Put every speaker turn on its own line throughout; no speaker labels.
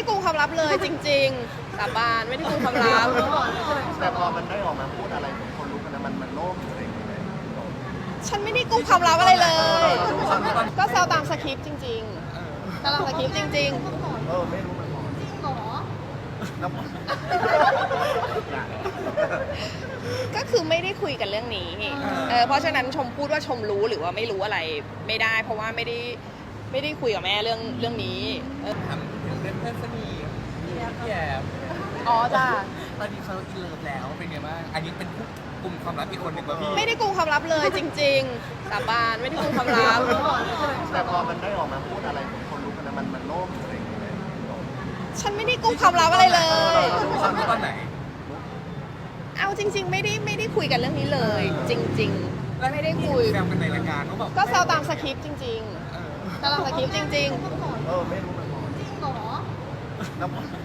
กุมความลับเลยจริงๆสาบานไม่ได้กุมความลับ
แต่พอมันได้ออกมาพูดอะไรคนรู้กันนะมันโล่งอะไรอย่างเงี้ย
ฉันไม่ได้กุมความลับอะไรเลย ก็แซวตามสคริปต์จริงๆแซวตามสคริปต์จริง
ไม่รู้มันจริงเหรอแล้ว
ๆ ก็คือไม่ได้คุยกันเรื่องนี้เพราะฉะนั้นชมพูดว่าชมรู้หรือว่าไม่รู้อะไรไม่ได้ เพราะว่าไม่ได้คุยกับแม่เรื่องนี้
ถามถึงเพื่อนสนิทพี่แอบ
อ๋อจ้า
ตอนนี้เขาอินเลิฟแล้วเป็นไงบ้างอันนี้เป็นกลุ่มความลับอีกคนหนึ่งป่ะพี่
ไม่ได้กุมความลับเลยจริงๆสาบานไม่ได้กุมความลับ
แต่พอมันได้ออกมาพูดอะไรคนรู้กันนะมันโล่งอะไรอย่างเงี้ย
ฉันไม่ได้กุมความลับอะไรเลย
ความลับตอนไหน
เอาจริง ๆ ไม่ได้คุยกันเรื่องนี้เลย จริงๆไม่ได้คุย
แซวกันในรายการเขาบอก
ก็แซวตามสคริปต์จริงๆแซวตามสคริปต์จริง
ไม่รู้มันจริงเหรอแล้ว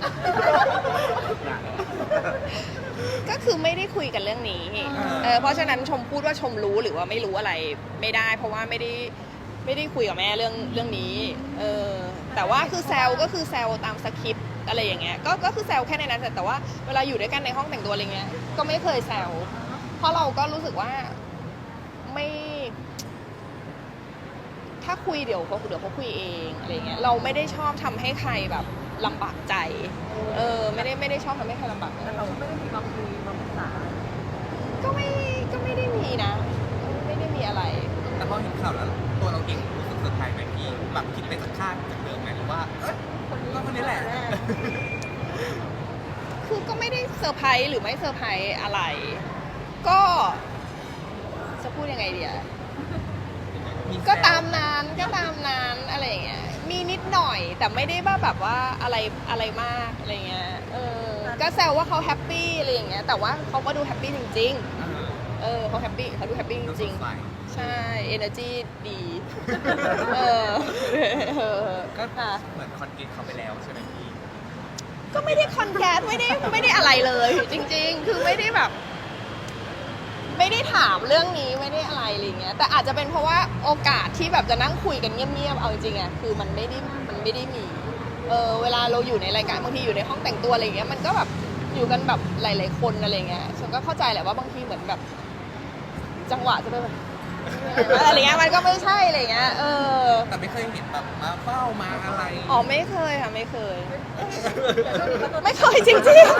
ๆ ก็คือไม่ได้คุยกันเรื่องนี้เพราะฉะนั้นชมพูดว่าชมรู้หรือว่าไม่รู้อะไรไม่ได้ เพราะว่าไม่ได้คุยกับแม่เรื่องนี้แต่ว่าคือแซวก็คือแซวตามสคริปต์อะไรอย่างเงี้ยก็คือแซวแค่ในนั้นแต่ว่าเวลาอยู่ด้วยกันในห้องแต่งตัวอะไรเงี้ยก็ไม่เคยแซวเพราะเราก็รู้สึกว่าไม่ ถ้าคุยเดี๋ยวเขาคุยเองอะไรเงี้ยเราไม่ได้ชอบทำให้ใครแบบลำบากใจไม่ได้ชอบทำให้ใครลำบากใจแต่เราก็ไม่ได้มีมาคุยมาปรึกษาก็ไม่ได้มีนะไม่ได้มีอะไร
แต่พอเห็นข่าวแล้วตัวเราเองรู้สึกเซอร์ไพรส์ไหมพี่แบบคิดไปสักข้างจากเดิมไหมหรือว่าคนนี้แหละ
คือก็ไม่ได้เซอร์ไพรส์หรือไม่เซอร์ไพรส์อะไร ก็จะพูดยังไงดีอะก็ตามนั้นอะไรอย่างเงี้ยมีนิดหน่อยแต่ไม่ได้แบบว่าอะไรมากอะไรเงี้ยก็แซวว่าเขาแฮปปี้อะไรอย่างเงี้ยแต่ว่าเขาก็ดูแฮปปี้จริงๆเขาแฮปปี้เขาดูแฮปปี้จริงๆใช่ energy ดี
ก็เหมือนคอนเกตเขาไปแล้วใช่ไหมพี่
ก็ไม่ได้คอนแกรสไม่ได้อะไรเลยจริงๆคือไม่ได้แบบไม่ได้ถามเรื่องนี้ไม่ได้อะไรเงี้ยแต่อาจจะเป็นเพราะว่าโอกาสที่แบบจะนั่งคุยกันเงียบๆเอาจริงๆอ่ะคือมันไม่ได้มีเวลาเราอยู่ในรายการบางทีอยู่ในห้องแต่งตัวอะไรเงี้ยมันก็แบบอยู่กันแบบหลายๆคนอะไรเงี้ยฉันก็เข้าใจแหละว่าบางทีเหมือนแบบจังหวะจะไปแบบอะไรเงี้ยมันก็ไม่ใช่อะไรเงี้ย
แต่ไม่เคยเห็นแบบมาเฝ้ามาอะไร
อ๋อไม่เคยค่ะไม่เคยจริง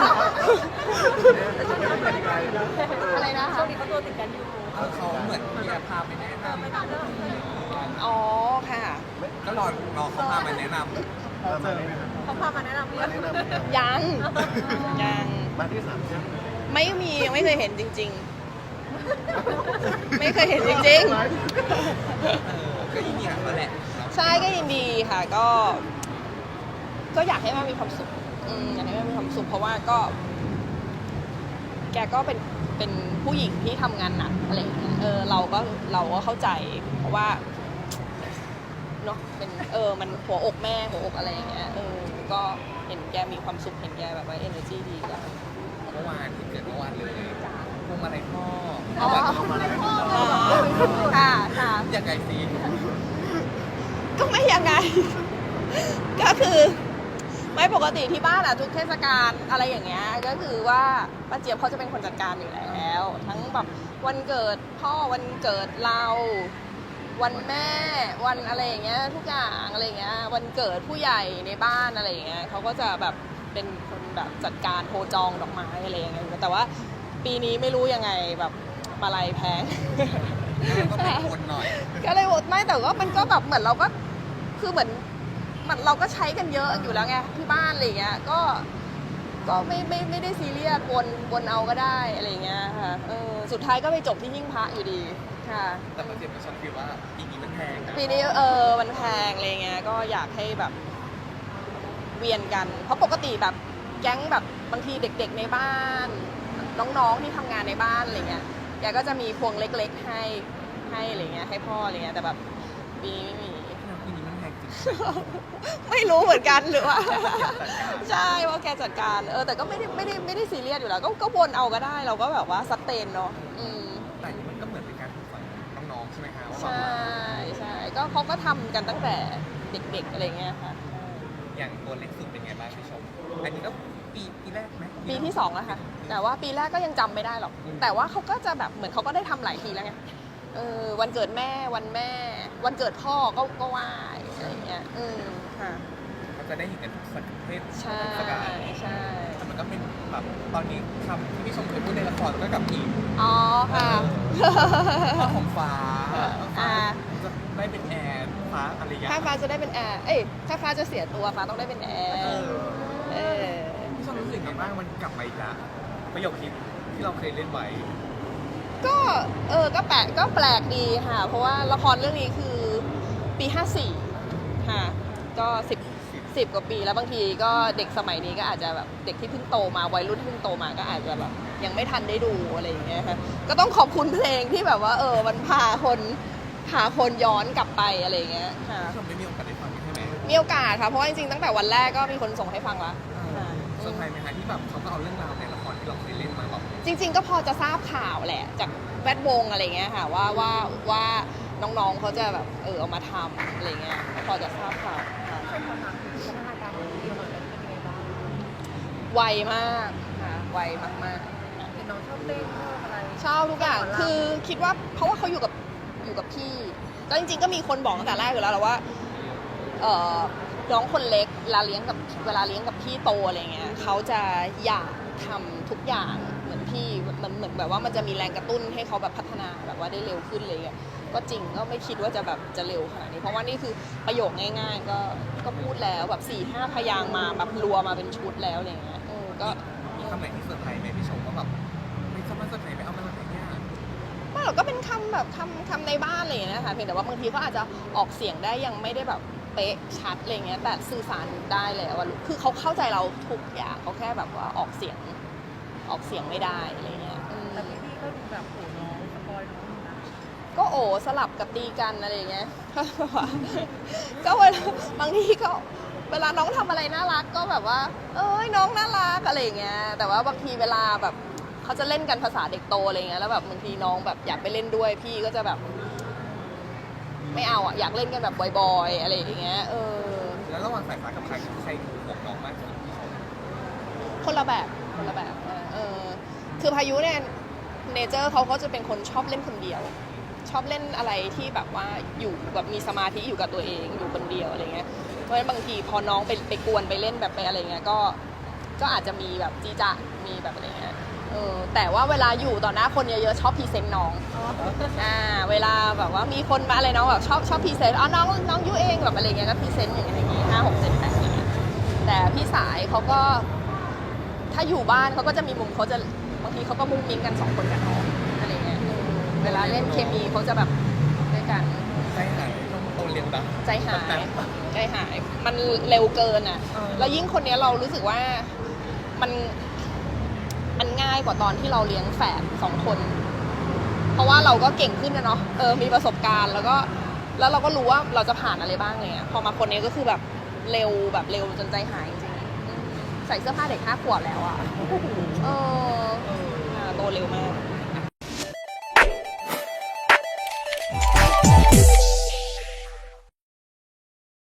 ๆอะไรนะคะช่วงนี้เขาตัวติดกันอยู่
เขาเหมือนพี่พาไปแนะนำ
อ๋อค่ะ
ก็รอเขาพามาแนะนำ
เขาพามาแนะนำยัง
บ้านที่3ใช่ไหม
ไม่มียังไม่เคยเห็นจริงๆไม่เคยเห็นจริง
ก็ยินดีแล้วแหละ
ๆใช่ก็ยินดีค่ะก็อยากให้แม่มีความสุขอยากให้แม่มีความสุขเพราะว่าก็แกก็เป็นผู้หญิงที่ทำงานหนักอะไรอย่างเงี้ยเราก็เข้าใจเพราะว่าเนาะเป็นมันหัวอกแม่หัวอกอะไรอย่างเงี้ยก็เห็นแกมีความสุขเห็นแกแบบว่า energy ดีก็
เมื่อวานที่เกิดเมื่อวานเลยพวงมาลัยพ่อ
ค่ะ
ยังไงสิ
ก็ไม่ยังไง ก็คือไม่ปกติที่บ้านอะทุกเทศกาลอะไรอย่างเงี้ยก็คือว่าป้าเจี๊ยบเขาจะเป็นคนจัดการอยู่แล้วทั้งแบบวันเกิดพ่อวันเกิดเราวันแม่วันอะไรอย่างเงี้ยทุกอย่างอะไรอย่างเงี้ยวันเกิดผู้ใหญ่ในบ้านอะไรอย่างเงี้ยเขาก็จะแบบเป็นคนแบบจัดการโทรจองดอกไม้อะไรอย่างเงี้ยแต่ว่าปีนี้ไม่รู้ยังไงแบบมาลัยแพง
ก็เป็นคนหน่อย
ก็เลยไม่แต่ว่ามันก็แบบเหมือนเราก็คือเหมือนเราก็ใช้กันเยอะอยู่แล้วไงที่บ้านอะไรเงี้ยก็ไม่ได้ซีเรียสวนเอาก็ได้อะไรเงี้ยค่ะสุดท้ายก็ไปจบที่หิ้งพระอยู่ดีค่ะ
แต่ประเด็นมันชอบคิดว่าปีนี้มันแพง
ปีนี้มันแพงอะไรเงี้ยก็อยากให้แบบเวียนกันเพราะปกติแบบแก๊งแบบบางทีเด็กๆในบ้านน้องๆที่ทำงานในบ้านอะไรเงี้ยแกก็จะมีพวงเล็กๆให้อะไรเงี้ยให้พ่ออะไรเงี้ยแต่แบบปีนี้ไม่มีไม่รู้เหมือนกันหรือว่าใช่ว่าแกจัดการแต่ก็ไม่ได้ซีเรียสอยู่แล้วก็วนเอาก็ได้เราก็แบบว่าซัสเตนเนาะ
แต่มันก็เหมือนเป็นการฝึกฝนน้องๆใช่ไหมคะ
ใช่ก็เขาก็ทำกันตั้งแต่เด็กๆอะไรเงี้ยค่ะ
อย่างตัวเล็กสุดเป็นไงบ้างพี่ชมกไหม
ปีที่2แล้วค่ะ แต่ว่าปีแรกก็ยังจำไม่ได้หรอก แต่ว่าเขาก็จะแบบเหมือนเขาก็ได้ทำหลายทีแล้วไงวันเกิดแม่วันแม่ วันเกิดพ่อก็ไหว้อะไรอย่างเงี้ยค่ะ
เขาจะได้เห็นกันทุกสักเทศ
ใช่
สกา
ใช่
แต่มันก็เป็นแบบตอนนี้คำที่พี่ชมเคยพูดในละครก็กับอีก
อ๋อค่ะ
พ่อของฟ้า
อ่า
จะได้เป็นแอร์ฟ้าอะไรอย่างเงี้ย
ถ้าฟ้าจะได้เป็นแอร์ถ้าฟ้าจะเสียตัวฟ้าต้องได้เป็นแอร์
พี่ชมรู้สึกไงบ้างมันกลับมาอีกแล้วประโยคฮิตที่เราเคยเล่นไว้
ก็ก็แปลกดีค่ะ เพราะว่าละครเรื่องนี้คือปี54ค่ะ ก็10 กว่าปีแล้วบางทีก็เด็กสมัยนี้ก็อาจจะแบบเด็กที่เพิ่งโตมาวัยรุ่นที่เพิ่งโตมาก็อาจจะแบบยังไม่ทันได้ดูอะไรอย่างเงี้ยค่ะก็ต้องขอบคุณเพลงที่แบบว่ามันพาคนย้อนกลับไปอะไรอย่างเงี้ยค่ะ
พี่ชมได้มีโอกาสได้ฟังใช่ไหม
มีโอกาสค่ะเพราะว่าจริงๆตั้งแต่วันแรกก็มีคนส่งให้ฟังละค่ะ
เซอร์ไพรส์ไหมคะที่แบบเขาก็เอาเรื่องราวในละครที่เราเคยเล่นมาแบบ
จริงๆก็พอจะทราบข่าวแหละจากแวดวงอะไรเงี้ยค่ะว่าน้องๆเขาจะแบบเอามาทำอะไรเงี้ยก็พอจะทราบข่าวค่ะ
ใช่ความรักพัฒนาการของพี่มันเป็นยังไงบ้าง
ไวมากค่ะไวมาก
เห็นน้องชอบเต้นชอบอะไร
ๆชอบทุกอย่างคือคิดว่าเพราะว่าเขาอยู่กับพี่ก็จริงๆก็มีคนบอกตั้งแต่แรกอยู่แล้วแหละว่าน้องคนเล็กเวลาเลี้ยงกับพี่โตอะไรเงี้ยเขาจะอยากทำทุกอย่างเหมือนพี่มันเหมือนแบบว่ามันจะมีแรงกระตุ้นให้เขาแบบพัฒนาแบบว่าได้เร็วขึ้นเลยก็จริงก็ไม่คิดว่าจะแบบจะเร็วขนาดนี้เพราะว่านี่คือประโยคง่ายๆก็พูดแล้วแบบ4-5 พยางค์มาแบบรัวมาเป็นชุดแล้วอะไรเงี้ยก็
มีคำไหนที่เซอร์ไพรส์ไหมพี่ชมว่าแบบไม่ชอบมาเซอร์ไพรส์ไปเอามาจากไหนเนี่ย
ไม่หรอกก็เป็นคำแบบคำในบ้านอะไรอย่างเงี้ยค่ะเพียงแต่ว่าบางทีเขาอาจจะออกเสียงได้ยังไม่ได้แบบเป๊ะชัดอะไรเงี้ยแต่สื่อสารได้แล้วว่าคือเขาเข้าใจเราทุกอย่างเขาแค่แบบว่าออกเสียงไม่ได้อะไรเงี้ย
แต่พี่ก็ดูแบบโหน้องสปอยน้องอยู่นะ
ก็สลับกับตีกันอะไรเงี้ย ก็เวลาบางทีก็เวลาน้องทำอะไรน่ารักก็แบบว่าน้องน่ารักอะไรเงี้ยแต่ว่าบางทีเวลาแบบเขาจะเล่นกันภาษาเด็กโตอะไรเงี้ยแล้วแบบบางทีน้องแบบอยากไปเล่นด้วยพี่ก็จะแบบไม่เอาอยากเล่นกันแบบบ่อยๆอะไรอย่างเงี้ย
แล้วระหว่างสายฟ้ากับใครห่วงน้องมากที่สุดพี่ชม
คนละแบบคือพายุเนี่ยเนเจอร์เขาก็จะเป็นคนชอบเล่นคนเดียว ชอบเล่นอะไรที่แบบว่าอยู่แบบมีสมาธิอยู่กับตัวเองอยู่คนเดียวอะไรเงี้ยเพราะฉะนั้นบางทีพอน้องไปกวนไปเล่นแบบไปอะไรเงี้ยก็อาจจะมีแบบจีจะมีแบบอะไรเงี้ยแต่ว่าเวลาอยู่ต่อหน้าคนเยอะๆชอบพรีเซนต์น้องเวลาแบบว่ามีคนมาอะไรน้องแบบชอบพรีเซนต์น้องยูเองแบบอะไรเงี้ยก็พรีเซนต์อย่างเงี้ย5 6 7 8อย่างเงี้ยแต่พี่สายเขาก็ถ้าอยู่บ้านเขาก็จะมีมุมเขาจะบางทีเขาก็มุ้งมิ้งกัน2 คนกับน้องอะไรเงี้ยเวลาเล่นเคมีเขาจะแบบด้วยกัน
ใจหายต้องโตเร็วนะ
ใจหายมันเร็วเกินอ่ะ
เออ
แล้วยิ่งคนนี้เรารู้สึกว่ามันง่ายกว่าตอนที่เราเลี้ยงแฝด2 คน เพราะว่าเราก็เก่งขึ้นนะเนาะมีประสบการณ์แล้วเราก็รู้ว่าเราจะผ่านอะไรบ้างเลยพอมาคนนี้ก็คือแบบเร็วจนใจหายจริงๆใส่เสื้อผ้าเด็ก5 ขวบแล้วอ่ะโตเร็วมาก